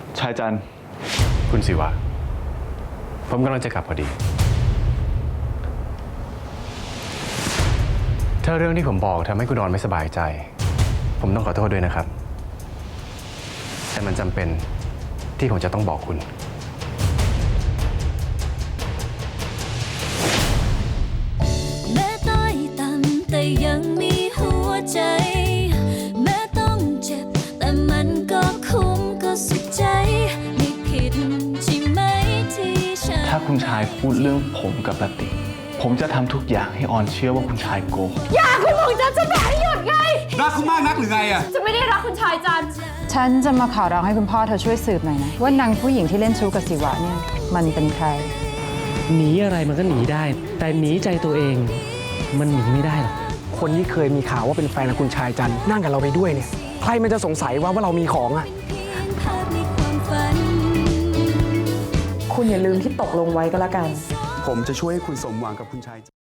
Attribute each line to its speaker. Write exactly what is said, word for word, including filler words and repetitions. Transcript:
Speaker 1: ชายจันทร์
Speaker 2: คุณศิวะผมกำลังจะกลับพอดีถ้าเรื่องที่ผมบอกทำให้คุณนอนไม่สบายใจผมต้องขอโทษด้วยนะครับแต่มันจำเป็นที่ผมจะต้องบอกคุณ
Speaker 3: แม้ต้อยต่ำแต่ยังมีหัวใจแม้ต้องเจ็บแต่มันก็คุ้มก็สุดใจไม่ผิดใช่ไหมที่ฉัน
Speaker 1: ถ้าคุณชายพูดเรื่องผมกับลติผมจะทำทุกอย่างให้ออนเชื่อว่าคุณชายโกหก
Speaker 4: อย่าคุณหลวงจันจะไม่ให้หยุดไง
Speaker 5: รักคุณมากนักหรือไงอะ
Speaker 4: จะไม่ได้รักคุณชายจัน
Speaker 6: ฉันจะมาขอร้องให้คุณพ่อเธอช่วยสืบหน่อยนะว่านางผู้หญิงที่เล่นชู้กับศิวะเนี่ยมันเป็นใคร
Speaker 7: หนีอะไรมันก็หนีได้แต่หนีใจตัวเองมันหนีไม่ได้หรอก
Speaker 8: คนที่เคยมีข่าวว่าเป็นแฟนของคุณชายจันนั่งกับเราไปด้วยเนี่ยใครมันจะสงสัยว่าว่าเรามีของอ่ะ
Speaker 6: คุณอย่าลืมที่ตกลงไว้ก็แล้วกัน
Speaker 5: ผมจะช่วยให้คุณสมหวังกับคุณชาย